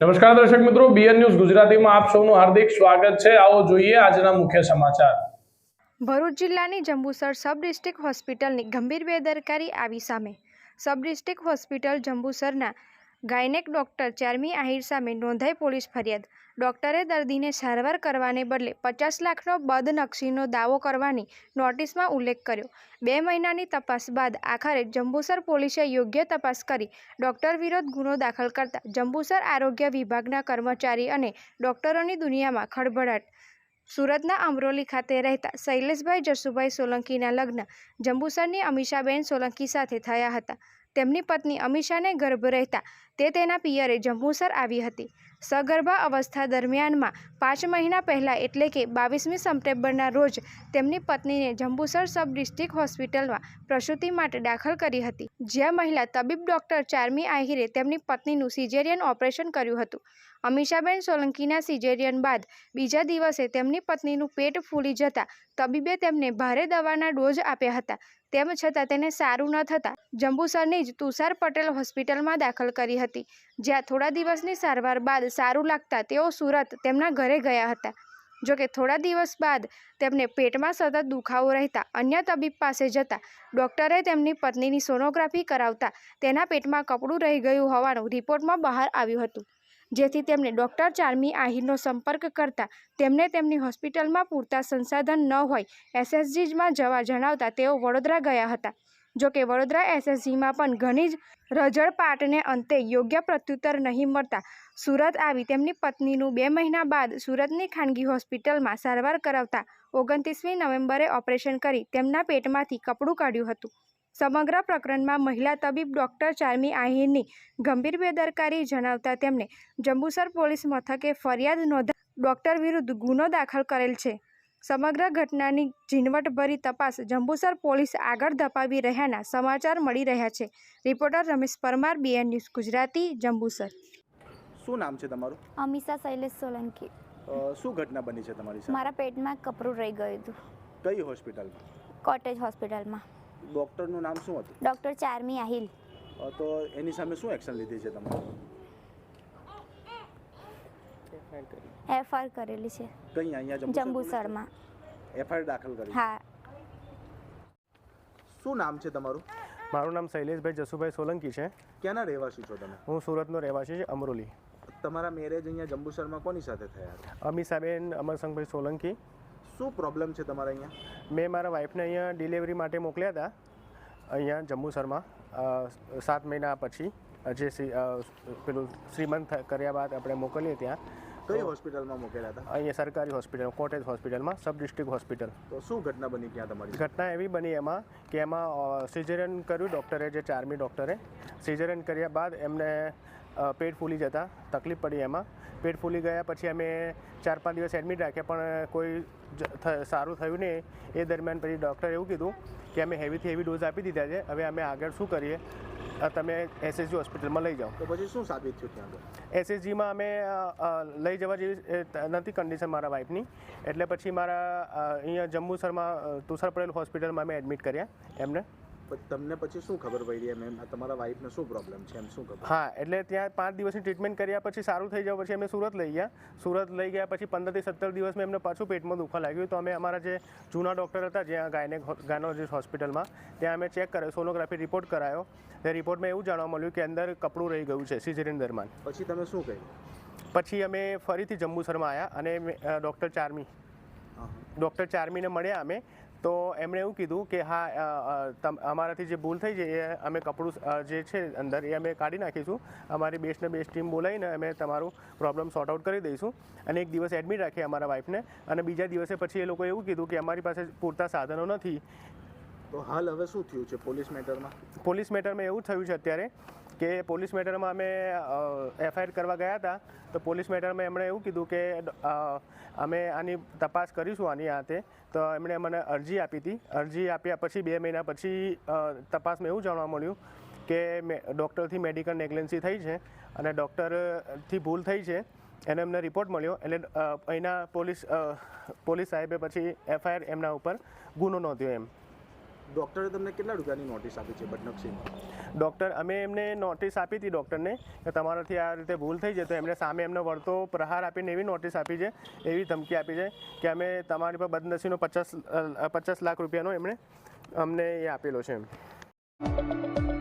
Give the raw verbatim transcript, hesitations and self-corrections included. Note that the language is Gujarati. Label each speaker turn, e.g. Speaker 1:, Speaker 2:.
Speaker 1: નમસ્કાર દર્શક મિત્રો, બીએન ન્યૂઝ ગુજરાતીમાં આપ સૌનું હાર્દિક સ્વાગત છે। આવો જોઈએ આજના મુખ્ય સમાચાર।
Speaker 2: ભરૂચ જિલ્લાની જંબુસર સબ ડિસ્ટ્રિક્ટ હોસ્પિટલની ગંભીર બેદરકારી આવી સામે। સબ ડિસ્ટ્રિક્ટ હોસ્પિટલ જંબુસરના ગાયનેક ડોક્ટર ચારમી આહિર સામે નોંધાઈ પોલીસ ફરિયાદ। ડોક્ટરે દર્દીને સારવાર કરવાને બદલે પચાસ લાખનો બદનક્ષીનો દાવો કરવાની નોટિસમાં ઉલ્લેખ કર્યો। બે મહિનાની તપાસ બાદ આખરે જંબુસર પોલીસે યોગ્ય તપાસ કરી ડોક્ટર વિરુદ્ધ ગુનો દાખલ કરતા જંબુસર આરોગ્ય વિભાગના કર્મચારી અને ડોક્ટરોની દુનિયામાં ખળભળાટ। સુરતના અમરોલી ખાતે રહેતા શૈલેષભાઈ જસુભાઈ સોલંકીના લગ્ન જંબુસરની અમીષાબેન સોલંકી સાથે થયા હતા। તેમની પત્ની અમીષાને ગર્ભ રહેતા તે તેના પિયરે જંબુસર આવી હતી। સગર્ભા અવસ્થા દરમિયાનમાં પાંચ મહિના પહેલાં એટલે કે બાવીસમી સપ્ટેમ્બરના રોજ તેમની પત્નીને જંબુસર સબ ડિસ્ટ્રિક્ટ હોસ્પિટલમાં પ્રસૂતિ માટે દાખલ કરી હતી, જ્યાં મહિલા તબીબ ડોક્ટર ચારમી આહિરે તેમની પત્નીનું સિઝેરિયન ઓપરેશન કર્યું હતું। અમીષાબેન સોલંકીના સિઝેરિયન બાદ બીજા દિવસે તેમની પત્નીનું પેટ ફૂલી જતાં તબીબે તેમને ભારે દવાના ડોઝ આપ્યા હતા। તેમ છતાં તેને સારું ન થતાં જંબુસરની જ તુષાર પટેલ હોસ્પિટલમાં દાખલ કરી હતી, જ્યાં થોડા દિવસની સારવાર બાદ સારું લાગતા તેઓ સુરત તેમના ઘરે ગયા હતા। જોકે થોડા દિવસ બાદ તેમને પેટમાં સતત દુખાવો રહેતા અન્ય તબીબ પાસે જતા ડોક્ટરે તેમની પત્નીની સોનોગ્રાફી કરાવતા તેના પેટમાં કપડું રહી ગયું હોવાનું રિપોર્ટમાં બહાર આવ્યું હતું, જેથી તેમણે ડોક્ટર ચારમી આહિરનો સંપર્ક કરતા તેમને તેમની હોસ્પિટલમાં પૂરતા સંસાધન ન હોય એસએસજીમાં જવા જણાવતા તેઓ વડોદરા ગયા હતા। જોકે વડોદરા એસએસજીમાં પણ ઘણી જ રઝળપાટને અંતે યોગ્ય પ્રત્યુત્તર નહીં મળતા સુરત આવી તેમની પત્નીનું બે મહિના બાદ સુરતની ખાનગી હોસ્પિટલમાં સારવાર કરાવતા ઓગણત્રીસમી નવેમ્બરે ઓપરેશન કરી તેમના પેટમાંથી કપડું કાઢ્યું હતું। સમગ્ર પ્રકરણમાં મહિલા તબીબ ડોક્ટર ચારમી આહિરની ગંભીર બેદરકારી જણાવતા તેમણે જંબુસર પોલીસ મથકે ફરિયાદ નોંધાવી ડોક્ટર વિરુદ્ધ ગુનો દાખલ કરેલ છે। સમગ્ર ઘટનાની ઝીણવટભરી તપાસ જંબુસર પોલીસ આગળ ધપાવી રહ્યાના સમાચાર મળી રહ્યા છે। Reporter Ramesh Parmar, BN news Gujarati, Jambusar.
Speaker 3: શું નામ છે તમારું?
Speaker 4: અમીષા શૈલેષ સોલંકી।
Speaker 3: શું ઘટના બની છે તમારી સાથે?
Speaker 4: મારા પેટમાં કપરું રહી ગયું હતું।
Speaker 3: કઈ હોસ્પિટલમાં?
Speaker 4: કોટેજ હોસ્પિટલમાં।
Speaker 3: ડૉક્ટરનું નામ શું હતું?
Speaker 4: ડૉક્ટર ચારમી આહિલ।
Speaker 3: તો એની સામે શું એક્શન લીધી છે તમારે?
Speaker 4: એફઆઈઆર કરેલી છે।
Speaker 3: કઈ અહીંયા
Speaker 4: જંબુસરમાં
Speaker 3: એફઆઈઆર દાખલ કરી?
Speaker 4: હા।
Speaker 3: શું નામ છે તમારું?
Speaker 5: મારું નામ શૈલેષભાઈ જસુભાઈ સોલંકી છે।
Speaker 3: ક્યાંના રહેવાસી છો તમે?
Speaker 5: હું સુરતનો રહેવાસી છે, અમરોલી।
Speaker 3: તમારા મેરેજ અહીંયા જંબુસરમાં કોની સાથે થયા હતા?
Speaker 5: અમીષાબેન અમરસંગભાઈ સોલંકી।
Speaker 3: શું પ્રોબ્લેમ છે તમારા અહીંયા?
Speaker 5: મેં મારા વાઈફને અહીંયા ડિલિવરી માટે મોકલ્યા હતા અહીંયા જંબુસરમાં સાત મહિના પછી, જે પેલું શ્રીમંત કર્યા બાદ આપણે મોકલીએ ત્યાં।
Speaker 3: કઈ હોસ્પિટલમાં મોકલ્યા હતા?
Speaker 5: અહીંયા સરકારી હોસ્પિટલ, કોટેજ હોસ્પિટલમાં, સબ ડિસ્ટ્રિક્ટ હોસ્પિટલ।
Speaker 3: તો શું ઘટના બની ત્યાં તમારી?
Speaker 5: ઘટના એવી બની એમાં કે એમાં સિઝેરિયન કર્યું ડૉક્ટરે, જે ચારમી ડૉક્ટરે સિઝેરિયન કર્યા બાદ એમને પેટ ફૂલી જતાં તકલીફ પડી। એમાં પેટ ફૂલી ગયા પછી અમે ચાર પાંચ દિવસ એડમિટ રાખ્યા, પણ કોઈ સારું થયું નહીં। એ દરમિયાન પછી ડૉક્ટરે એવું કીધું કે અમે હેવીથી હેવી ડોઝ આપી દીધા છે, હવે અમે આગળ શું કરીએ, તમે એસએસજી હોસ્પિટલમાં લઈ જાઓ।
Speaker 3: તો પછી શું સાબિત થયું ત્યાં?
Speaker 5: એસએસજીમાં અમે લઈ જવા જેવી નથી કન્ડિશન મારા વાઈફની, એટલે પછી મારા અહીંયા જંબુસરમાં તુષાર પટેલ હોસ્પિટલમાં અમે એડમિટ કર્યા એમને।
Speaker 3: તમને પછી શું ખબર પડી એમ એમ તમારા વાઈફને શું પ્રોબ્લેમ છે એમ શું ખબર?
Speaker 5: હા, એટલે ત્યાં પાંચ દિવસની ટ્રીટમેન્ટ કર્યા પછી સારું થઈ જાય પછી અમે સુરત લઈ ગયા। સુરત લઈ ગયા પછી પંદરથી સત્તર દિવસમાં એમને પાછું પેટમાં દુખવા લાગ્યું, તો અમે અમારા જે જૂના ડૉક્ટર હતા જ્યાં ગાયનેક ગાયનોલોજીસ્ટ હોસ્પિટલમાં, ત્યાં અમે ચેક કર્યો, સોનોગ્રાફી રિપોર્ટ કરાયો। તે રિપોર્ટમાં એવું જાણવા મળ્યું કે અંદર કપડું રહી ગયું છે સિઝેરિયન દરમિયાન।
Speaker 3: પછી તમે શું કહ્યું? પછી
Speaker 5: અમે ફરીથી જંબુસરમાં આવ્યા અને ડૉક્ટર ચારમી ડૉક્ટર ચારમીને મળ્યા અમે, તો એમણે એવું કીધું કે હા, અમારાથી જે ભૂલ થઈ છે એ અમે કપડું જે છે અંદર એ અમે કાઢી નાખીશું, અમારી બેસ્ટને બેસ્ટ ટીમ બોલાવીને અમે તમારું પ્રોબ્લેમ સોર્ટ આઉટ કરી દઈશું। અને એક દિવસ એડમિટ રાખીએ અમારા વાઈફને, અને બીજા દિવસે પછી એ લોકોએ એવું કીધું કે અમારી પાસે પૂરતા સાધનો નથી।
Speaker 3: તો હાલ હવે શું થયું છે પોલીસ મેટરમાં?
Speaker 5: પોલીસ મેટરમાં એવું થયું છે અત્યારે કે પોલીસ મેટરમાં અમે એફઆઈઆર કરવા ગયા હતા, તો પોલીસ મેટરમાં એમણે એવું કીધું કે અમે આની તપાસ કરીશું આની હાથે। તો એમણે મને અરજી આપી હતી। અરજી આપ્યા પછી બે મહિના પછી તપાસમાં એવું જાણવા મળ્યું કે ડૉક્ટરથી મેડિકલ નેગ્લેન્સી થઈ છે અને ડૉક્ટરથી ભૂલ થઈ છે, એનો એમને રિપોર્ટ મળ્યો। એટલે અહીંના પોલીસ પોલીસ સાહેબે પછી એફઆઈઆર એમના ઉપર ગુનો નોંધ્યો એમ।
Speaker 3: ડૉક્ટરે તમને કેટલા રૂપિયાની નોટિસ આપી છે બદનક્ષીની?
Speaker 5: ડૉક્ટર અમે એમને નોટિસ આપી હતી ડૉક્ટરને કે તમારાથી આ રીતે ભૂલ થઈ છે, તો એમણે સામે એમને વળતો પ્રહાર આપીને એવી નોટિસ આપી છે, એવી ધમકી આપી છે કે અમે તમારી પર બદનસીનો પચાસ પચાસ લાખ રૂપિયાનો એમણે અમને એ આપેલો છે એમ.